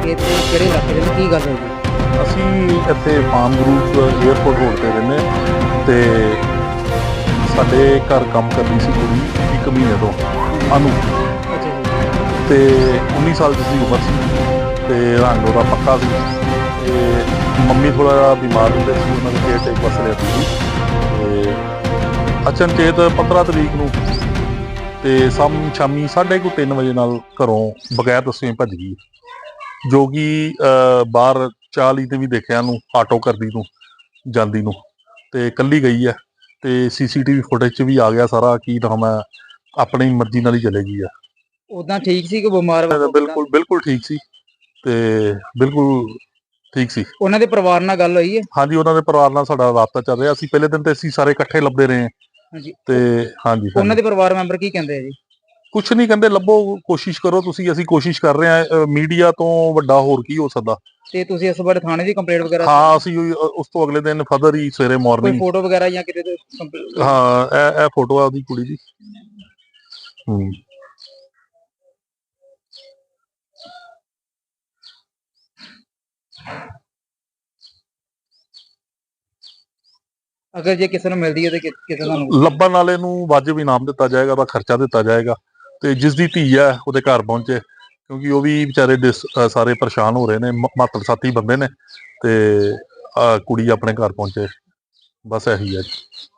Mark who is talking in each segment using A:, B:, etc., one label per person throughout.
A: ਤੇ ਕਿਹੜੇ ਇਲਾਕੇ ਦੇ ਵਿੱਚ ਕੀ ਗੱਲ ਹੋਈ ਜੀ?
B: ਅਸੀਂ ਇੱਥੇ ਪਾਮ ਗਰੂਪ 에ਅਰਪੋਰਟ ਰੋਡ ਤੇ ਰਹਿੰਦੇ ਹਾਂ ਤੇ ਸਾਡੇ ਘਰ ਕੰਮ ਕਰਦੀ ਸੀ ਕੁੜੀ 1 ਮਹੀਨੇ ਤੋਂ ਅਨੂ
A: ਅੱਛਾ ਜੀ।
B: ਤੇ 19 ਸਾਲ ਦੀ ਸੀ ਉਮਰ ਸੀ ਤੇ ਰੰਗ ਉਹਦਾ ਪੱਕਾ ਸੀ ਤੇ ਮੰਮੀ ਥੋੜਾ ਜਿਹਾ ਬਿਮਾਰ ਹੁੰਦੇ ਸੀ, ਉਹਨਾਂ ਦੇ ਕੇਅਰ ਟੇਕ ਵਾਸਤੇ ਰਹਿੰਦੀ ਸੀ ਤੇ ਅਚਨਚੇਤ 15 ਤਰੀਕ ਨੂੰ ਤੇ ਸ਼ਾਮੀ 3:30 ਵਜੇ ਨਾਲ ਘਰੋਂ ਬਗੈਰ ਦੱਸੇ ਭੱਜ ਗਈ, ਜੋ ਕਿ ਬਾਹਰ ਚਾਹ ਲਈ ਤੇ ਵੀ ਦੇਖਿਆ ਨੂੰ ਆਟੋ ਕਰਦੀ ਨੂੰ ਜਾਂਦੀ ਨੂੰ ਤੇ ਕੱਲੀ ਗਈ ਹੈ ਤੇ ਸੀਸੀਟੀਵੀ ਫੁਟੇਜ 'ਚ ਵੀ ਆ ਗਿਆ ਸਾਰਾ ਕੀ ਨਾਮ ਹੈ, ਆਪਣੀ ਮਰਜ਼ੀ ਨਾਲ ਹੀ ਚਲੇ ਗਈ ਆ।
A: ਉਦਾਂ ਠੀਕ ਸੀ ਕਿ ਬਿਮਾਰ
B: ਬਿਲਕੁਲ ਬਿਲਕੁਲ ਠੀਕ ਸੀ ਤੇ ਬਿਲਕੁਲ ਠੀਕ ਸੀ।
A: ਉਹਨਾਂ ਦੇ ਪਰਿਵਾਰ ਨਾਲ ਗੱਲ ਹੋਈ ਹੈ?
B: ਹਾਂਜੀ, ਉਹਨਾਂ ਦੇ ਪਰਿਵਾਰ ਨਾਲ ਸਾਡਾ ਰਾਬਤਾ ਚੱਲ ਰਿਹਾ। ਅਸੀਂ ਪਹਿਲੇ ਦਿਨ ਤੇ ਅਸੀਂ ਸਾਰੇ ਇਕੱਠੇ ਲੱਭਦੇ ਰਹੇ
A: ਹਾਂਜੀ।
B: ਤੇ ਹਾਂਜੀ
A: ਉਹਨਾਂ
B: ਹਾਂਜੀ
A: ਦੇ ਪਰਿਵਾਰ ਮੈਂਬਰ ਕੀ ਕਹਿੰਦੇ ਆ ਜੀ?
B: ਕੁਛ ਨਹੀਂ ਕਹਿੰਦੇ, ਲੱਭੋ, ਕੋਸ਼ਿਸ਼ ਕਰੋ ਤੁਸੀਂ, ਅਸੀਂ ਕੋਸ਼ਿਸ਼ ਕਰ ਰਹੇ ਹਾਂ। ਮੀਡੀਆ ਤੋਂ ਵੱਡਾ ਹੋਰ ਕੀ ਹੋ ਸਕਦਾ।
A: ਤੇ ਤੁਸੀਂ ਇਸ ਬਾਰੇ ਥਾਣੇ ਦੀ ਕੰਪਲੇਂਟ ਵਗੈਰਾ
B: ਹਾਂ, ਅਸੀਂ ਉਸ ਤੋਂ ਅਗਲੇ ਦਿਨ ਫਦਰ ਹੀ ਸਵੇਰੇ
A: ਕੋਈ
B: ਮਾਰਨਿੰਗ
A: ਫੋਟੋ ਵਗੈਰਾ ਜਾਂ ਕਿਤੇ ਤੇ
B: ਹਾਂ, ਇਹ ਫੋਟੋ ਆ ਉਹਦੀ ਕੁੜੀ ਦੀ। ਹੂੰ।
A: ਅਗਰ ਜੇ ਕਿਸੇ ਨੂੰ ਮਿਲਦੀ ਹੈ ਤੇ ਕਿਸੇ ਤੁਹਾਨੂੰ
B: ਲੱਭਣ ਵਾਲੇ ਨੂੰ ਵਾਜਬ ਇਨਾਮ ਦਿੱਤਾ ਜਾਏਗਾ, ਉਹਦਾ ਖਰਚਾ ਦਿੱਤਾ ਜਾਏਗਾ ਤੇ ਜਿਸ ਦੀ ਧੀ ਹੈ ਉਹਦੇ ਘਰ ਪਹੁੰਚੇ, ਕਿਉਂਕਿ ਉਹ ਵੀ ਵਿਚਾਰੇ ਸਾਰੇ ਪਰੇਸ਼ਾਨ ਹੋ ਰਹੇ ਨੇ, ਮਾਤੜ ਸਾਥੀ ਬੰਦੇ ਨੇ ਤੇ ਕੁੜੀ ਆਪਣੇ ਘਰ ਪਹੁੰਚੇ, ਬਸ ਇਹੀ ਹੈ ਜੀ।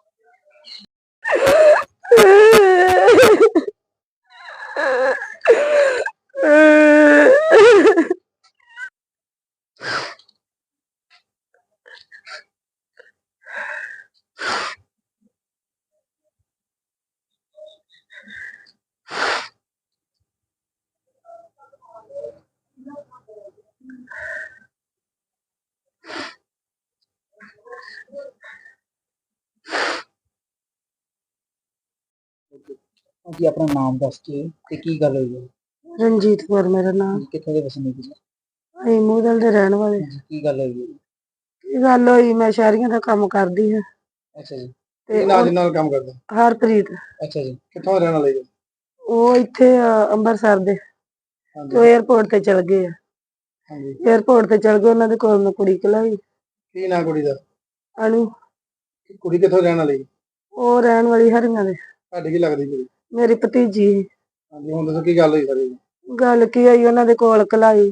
A: ਜੀ ਆਪਣਾ ਨਾਮ ਦੱਸ ਕੇ ਤੇ ਕੀ ਗੱਲ ਹੋਈ ਹੈ?
C: ਰਣਜੀਤ ਕੌਰ ਮੇਰਾ ਨਾਮ।
A: ਕਿੱਥੋਂ ਦੇ ਵਸਨੀਕ ਜੀ?
C: ਅਸੀਂ ਮੂਦਲ ਦੇ ਰਹਿਣ ਵਾਲੇ।
A: ਕੀ ਗੱਲ ਹੋਈ ਹੈ?
C: ਕੀ ਗੱਲ ਹੋਈ, ਮੈਂ ਸ਼ਹਿਰੀਆਂ ਦਾ ਕੰਮ ਕਰਦੀ ਹਾਂ
A: ਅੱਛਾ ਜੀ।
C: ਤੇ
A: ਨਾਲ ਕੰਮ ਕਰਦਾ?
C: ਹਰਪ੍ਰੀਤ।
A: ਅੱਛਾ ਜੀ। ਕਿੱਥੋਂ ਰਹਿਣ ਵਾਲੇ ਜੀ?
C: ਉਹ ਇੱਥੇ ਅੰਮ੍ਰਿਤਸਰ ਦੇ ਤੇ 에ਅਰਪੋਰਟ ਤੇ ਚਲ ਗਏ ਆ।
A: ਹਾਂਜੀ।
C: 에ਅਰਪੋਰਟ ਤੇ ਚਲ ਗਏ, ਉਹਨਾਂ ਦੇ ਕੋਲ ਮੈਂ ਕੁੜੀ ਘਲਾਈ।
A: ਕੀ ਨਾਂ ਕੁੜੀ ਦਾ?
C: ਅਨੂ।
A: ਕੁੜੀ ਕਿੱਥੋਂ ਰਹਿਣ ਵਾਲੀ?
C: ਉਹ ਰਹਿਣ ਵਾਲੀ ਹਰੀਆਂ ਦੇ।
A: ਤੁਹਾਡੀ ਕੀ ਲੱਗਦੀ ਕੁੜੀ?
C: ਮੇਰੀ ਭਤੀਜੀ।
A: ਹਾਂਜੀ, ਹੁਣ ਦੱਸੋ ਕੀ ਗੱਲ ਹੋਈ ਸਾਰੀ?
C: ਗੱਲ ਕੀ ਹੋਈ, ਉਹਨਾਂ ਦੇ ਕੋਲ ਘਲਾਈ,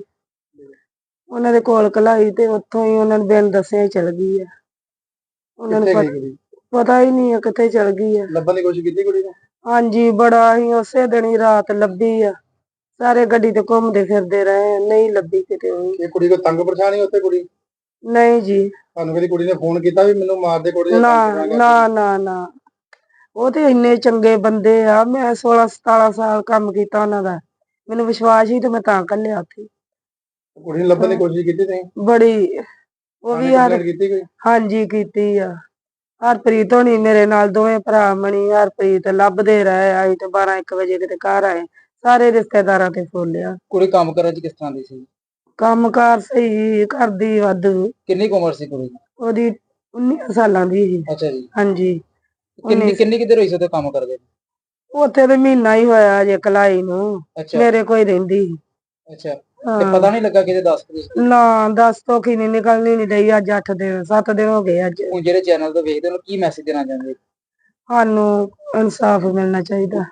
C: ਉਹਨਾਂ ਦੇ ਕੋਲ ਘਲਾਈ ਤੇ ਉੱਥੋਂ ਹੀ ਉਹਨਾਂ ਨੂੰ ਬਿਨ ਦੱਸਿਆ ਹੀ ਚਲ ਗਈ ਆ। ਉਹਨਾਂ ਨੂੰ ਪਤਾ ਹੀ ਨਹੀਂ ਆ ਕਿੱਥੇ ਚਲ ਗਈ ਆ।
A: ਲੱਭਣ ਦੀ ਕੋਸ਼ਿਸ਼ ਕੀਤੀ ਕੁੜੀ ਨੂੰ?
C: ਹਾਂਜੀ, ਬੜਾ ਹੀ ਉਸੇ ਦਿਨ ਹੀ ਰਾਤ ਲੱਭੀ ਆ। ਸਾਰੇ ਗੱਡੀ ਤੇ ਘੁੰਮਦੇ ਫਿਰਦੇ ਰਹੇ, ਨਹੀਂ ਲੱਭੀ ਕਿਤੇ।
A: ਇਹ ਕੁੜੀ ਕੋ ਤੰਗ ਪਰੇਸ਼ਾਨ ਹੀ ਉੱਥੇ ਕੁੜੀ?
C: ਨਹੀਂ ਜੀ।
A: ਤੁਹਾਨੂੰ ਕਦੀ ਕੁੜੀ ਨੇ ਫੋਨ ਕੀਤਾ ਵੀ ਮੈਨੂੰ ਮਾਰ ਦੇ ਕੁੜੀ?
C: ਨਾ ਨਾ ਨਾ ਨਾ, ਉਹ ਤੇ ਇੰਨੇ ਚੰਗੇ ਬੰਦੇ ਆ। ਮੈਂ 16-17 ਸਾਲ ਕੰਮ ਕੀਤਾ ਉਹਨਾਂ ਦਾ, ਮੈਨੂੰ ਵਿਸ਼ਵਾਸ ਹੀ ਤੇ ਮੈਂ ਤਾਂ ਘੱਲਿਆ ਉੱਥੇ।
A: ਕੁੜੀ ਨੂੰ ਲੱਭਣ ਦੀ ਕੋਸ਼ਿਸ਼ ਕੀਤੀ ਤੁਸੀਂ?
C: ਬੜੀ। ਉਹ ਵੀ ਯਾਰ ਹਾਂਜੀ ਕੀਤੀ ਆ। ਹਰਪ੍ਰੀਤ ਹੋਣੀ ਮੇਰੇ ਨਾਲ, ਦੋਵੇਂ ਭਰਾ ਮਣੀ ਹਰਪ੍ਰੀਤ ਲੱਭਦੇ ਰਹੇ। ਆਈ ਤੇ 12-1 ਵਜੇ ਕਿਤੇ ਘਰ ਆਏ, ਸਾਰੇ ਰਿਸ਼ਤੇਦਾਰਾਂ ਤੇ ਫੋਲਿਆ।
A: ਕੁੜੀ ਕੰਮ ਕਰਨ ਚ ਕਿਸ ਤਰ੍ਹਾਂ ਦੀ ਸੀ?
C: ਕੰਮ ਕਾਰ ਸਹੀ ਕਰਦੀ, ਵਾਧੂ।
A: ਕਿੰਨੀ ਕੁ ਉਮਰ ਸੀ ਕੁੜੀ ਦੀ?
C: ਉਹਦੀ 19 ਸਾਲਾਂ ਦੀ ਸੀ।
A: ਅੱਛਾ ਜੀ।
C: ਹਾਂਜੀ।
A: ਕਿੰਨੀ ਕਿੱਧਰ ਹੋਈ ਸੀ ਉੱਥੇ ਕੰਮ ਕਰਦੇ?
C: ਉੱਥੇ ਤੇ ਮਹੀਨਾ ਹੀ ਹੋਇਆ ਜੇ ਘਲਾਈ ਨੂੰ, ਮੇਰੇ ਕੋਲ ਰਹਿੰਦੀ।
A: ਅੱਛਾ। ਤੇ ਪਤਾ ਨਹੀਂ ਲੱਗਾ ਕਿਤੇ ਦੱਸ?
C: ਨਾ, ਦੱਸ ਤੋਂ ਕੀ ਨਹੀਂ ਨਿਕਲਣੀ ਨਹੀਂ ਰਹੀ। ਅੱਜ 8 ਦਿਨ 7 ਦਿਨ ਹੋ ਗਏ ਅੱਜ।
A: ਹੁਣ ਜਿਹੜੇ ਚੈਨਲ ਤੋਂ ਵੇਖਦੇ ਹੋ, ਕੀ ਮੈਸੇਜ ਦੇਣਾ ਚਾਹੁੰਦੇ?
C: ਸਾਨੂੰ ਇਨਸਾਫ ਮਿਲਣਾ ਚਾਹੀਦਾ।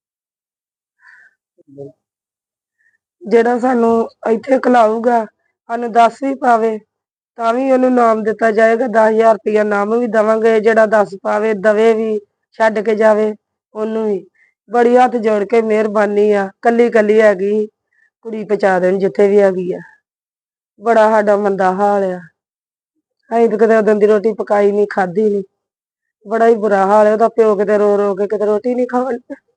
C: ਜਿਹੜਾ ਸਾਨੂੰ ਇੱਥੇ ਘਲਾਊਗਾ, ਸਾਨੂੰ ਦੱਸ ਵੀ ਪਾਵੇ ਤਾਂ ਵੀ ਉਹਨੂੰ ਇਨਾਮ ਦਿੱਤਾ ਜਾਏਗਾ। 10,000 ਰੁਪਇਆ ਇਨਾਮ ਵੀ ਦੇਵਾਂਗੇ। ਜਿਹੜਾ ਦੱਸ ਪਾਵੇ, ਦਵੇ ਵੀ, ਛੱਡ ਕੇ ਜਾਵੇ ਉਹਨੂੰ ਵੀ। ਬੜੀ ਹੱਥ ਜੋੜ ਕੇ ਮਿਹਰਬਾਨੀ ਆ। ਕੱਲੀ ਕੱਲੀ ਹੈਗੀ, ਕੁੜੀ ਪਹੁੰਚਾ ਦੇਣ ਜਿੱਥੇ ਵੀ ਹੈਗੀ ਆ। ਬੜਾ ਸਾਡਾ ਮੰਦਾ ਹਾਲ ਆ। ਅਸੀਂ ਤਾਂ ਕਿਤੇ ਉਦੋਂ ਦੀ ਰੋਟੀ ਪਕਾਈ ਨਹੀਂ, ਖਾਧੀ ਨਹੀਂ। ਬੜਾ ਹੀ ਬੁਰਾ ਹਾਲ ਹੈ। ਉਹਦਾ ਪਿਓ ਕਿਤੇ ਰੋ ਰੋ ਕੇ ਕਿਤੇ ਰੋਟੀ ਨਹੀਂ ਖਾਣ